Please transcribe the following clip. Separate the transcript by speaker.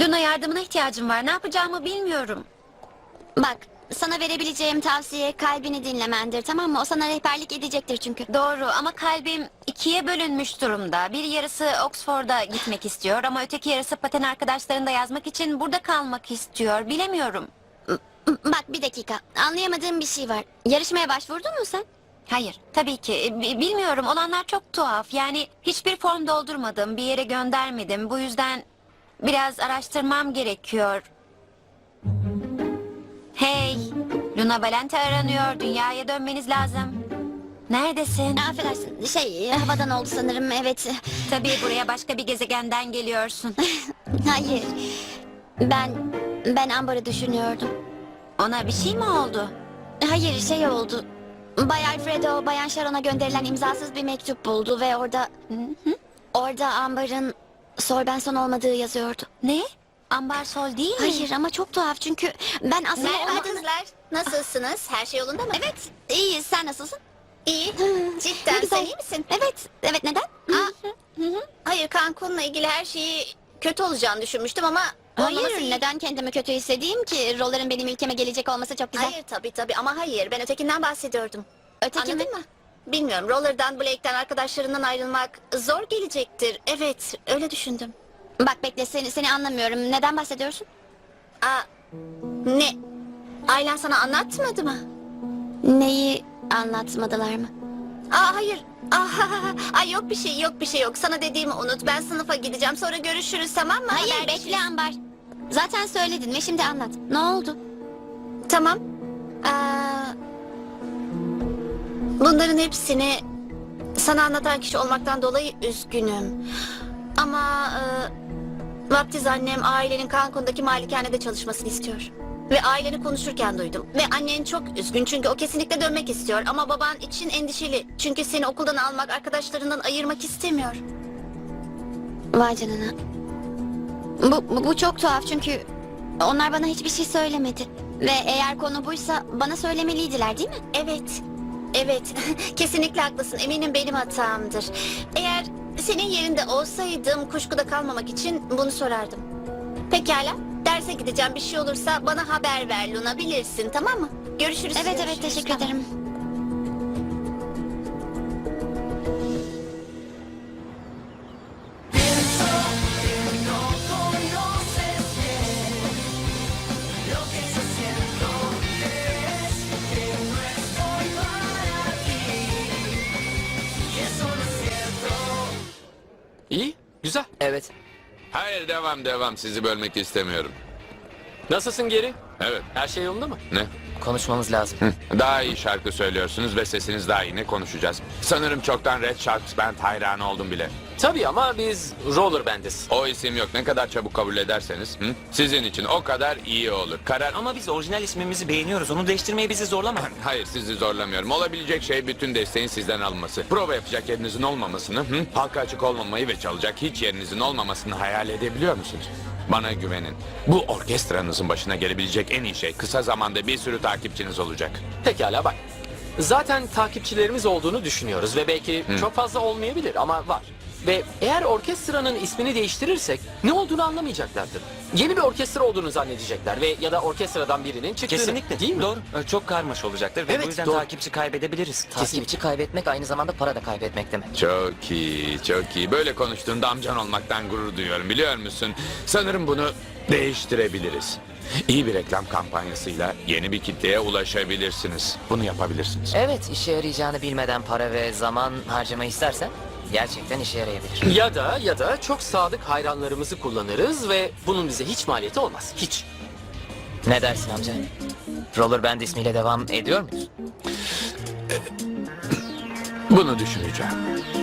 Speaker 1: Luna, yardımına ihtiyacım var. Ne yapacağımı bilmiyorum.
Speaker 2: Bak, sana verebileceğim tavsiye kalbini dinlemendir, tamam mı? O sana rehberlik edecektir çünkü.
Speaker 1: Doğru ama kalbim ikiye bölünmüş durumda. Bir yarısı Oxford'a gitmek istiyor ama öteki yarısı paten arkadaşlarında yazmak için burada kalmak istiyor. Bilemiyorum.
Speaker 2: Bak bir dakika, anlayamadığım bir şey var. Yarışmaya başvurdun mu sen?
Speaker 1: Hayır, tabii ki. Bilmiyorum. Olanlar çok tuhaf. Yani hiçbir form doldurmadım, bir yere göndermedim. Bu yüzden biraz araştırmam gerekiyor. Hey, Luna Valente aranıyor. Dünyaya dönmeniz lazım. Neredesin?
Speaker 2: Affedersin, havadan oldu sanırım, evet.
Speaker 1: Tabii buraya başka bir gezegenden geliyorsun.
Speaker 2: Hayır, ben Amber'ı düşünüyordum.
Speaker 1: Ona bir şey mi oldu?
Speaker 2: Hayır, şey oldu. Bay Alfredo, Bayan Sharon'a gönderilen imzasız bir mektup buldu ve orada Amber'ın Sol Benson olmadığı yazıyordu.
Speaker 1: Ne? Ambar Sol değil mi?
Speaker 2: Hayır ama çok tuhaf çünkü ben aslında
Speaker 3: Merhaba
Speaker 2: olmadığını...
Speaker 3: kızlar. Nasılsınız? Her şey yolunda mı?
Speaker 2: Evet, iyiyiz. Sen nasılsın?
Speaker 3: İyi.
Speaker 2: Ne
Speaker 3: Cidden
Speaker 2: güzel.
Speaker 3: sen iyi misin?
Speaker 2: Evet neden?
Speaker 3: Hayır, Cancun'la ilgili her şeyi kötü olacağını düşünmüştüm ama olmaması
Speaker 2: Hayır,
Speaker 3: iyi.
Speaker 2: neden kendimi kötü hissedeyim ki? Roller'ın benim ülkeme gelecek olması çok güzel.
Speaker 3: Hayır tabii ama hayır. Ben ötekinden bahsediyordum.
Speaker 2: Öteki
Speaker 3: Anladın
Speaker 2: mi?
Speaker 3: mı? Bilmiyorum. Roller'dan, Blake'den, arkadaşlarından ayrılmak zor gelecektir. Evet, öyle düşündüm.
Speaker 2: Bak bekle, seni anlamıyorum. Neden bahsediyorsun?
Speaker 3: Aa, ne? Ailen sana anlatmadı mı?
Speaker 2: Neyi anlatmadılar mı?
Speaker 3: Hayır. Ay yok bir şey yok. Sana dediğimi unut. Ben sınıfa gideceğim. Sonra görüşürüz, tamam mı?
Speaker 2: Hayır,
Speaker 3: Haberleşiriz.
Speaker 2: bekle Ambar. Zaten söyledin ve şimdi anlat. Ne oldu?
Speaker 3: Tamam. Bunların hepsini sana anlatan kişi olmaktan dolayı üzgünüm. Ama vaftiz annem ailenin Cancun'daki malikanede çalışmasını istiyor. Ve aileni konuşurken duydum. Ve annen çok üzgün çünkü o kesinlikle dönmek istiyor. Ama baban için endişeli. Çünkü seni okuldan almak, arkadaşlarından ayırmak istemiyor.
Speaker 2: Vay canına. Bu çok tuhaf çünkü onlar bana hiçbir şey söylemedi. Ve eğer konu buysa bana söylemeliydiler değil mi?
Speaker 3: Evet. Kesinlikle haklısın. Eminim benim hatamdır. Eğer senin yerinde olsaydım kuşkuda kalmamak için bunu sorardım. Pekala. Derse gideceğim. Bir şey olursa bana haber ver Luna. Bilirsin, tamam mı? Görüşürüz.
Speaker 2: Evet
Speaker 3: Görüşürüz.
Speaker 2: teşekkür
Speaker 3: Tamam.
Speaker 2: ederim.
Speaker 4: İyi, güzel.
Speaker 5: Evet.
Speaker 6: Hayır, devam. Sizi bölmek istemiyorum.
Speaker 4: Nasılsın geri?
Speaker 6: Evet.
Speaker 4: Her şey yolunda mı?
Speaker 6: Ne?
Speaker 5: Konuşmamız lazım.
Speaker 6: Daha iyi şarkı söylüyorsunuz ve sesiniz daha iyi. Ne konuşacağız? Sanırım çoktan Red Sharks Band hayranı oldum bile.
Speaker 4: Tabii ama biz roller bandiz.
Speaker 6: O isim yok. Ne kadar çabuk kabul ederseniz sizin için o kadar iyi olur. Karar...
Speaker 5: Ama biz orijinal ismimizi beğeniyoruz. Onu değiştirmeye bizi zorlama.
Speaker 6: Hayır, sizi zorlamıyorum. Olabilecek şey bütün desteğin sizden alınması. Prova yapacak yerinizin olmamasını, halka açık olmamayı ve çalacak hiç yerinizin olmamasını hayal edebiliyor musunuz? Bana güvenin. Bu orkestranızın başına gelebilecek en iyi şey kısa zamanda bir sürü takipçiniz olacak.
Speaker 4: Pekala bak. Zaten takipçilerimiz olduğunu düşünüyoruz ve belki çok fazla olmayabilir ama var. Ve eğer orkestranın ismini değiştirirsek ne olduğunu anlamayacaklardır. Yeni bir orkestra olduğunu zannedecekler ve ya da orkestradan birinin çıktığını.
Speaker 5: Kesinlikle.
Speaker 4: Değil mi?
Speaker 5: Doğru. Çok karmaşa olacaktır ve
Speaker 4: Evet,
Speaker 5: bu yüzden
Speaker 4: doğru.
Speaker 5: takipçi kaybedebiliriz. Takipçi kaybetmek aynı zamanda para da kaybetmek demek.
Speaker 6: Çok iyi. Böyle konuştuğunda amcan olmaktan gurur duyuyorum, biliyor musun? Sanırım bunu değiştirebiliriz. İyi bir reklam kampanyasıyla yeni bir kitleye ulaşabilirsiniz. Bunu yapabilirsiniz.
Speaker 5: Evet, işe yarayacağını bilmeden para ve zaman harcamayı istersen gerçekten işe yarayabilir.
Speaker 4: Ya da çok sadık hayranlarımızı kullanırız ve bunun bize hiç maliyeti olmaz. Hiç.
Speaker 5: Ne dersin amca? Roller Band ismiyle devam ediyor muyuz?
Speaker 6: Bunu düşüneceğim.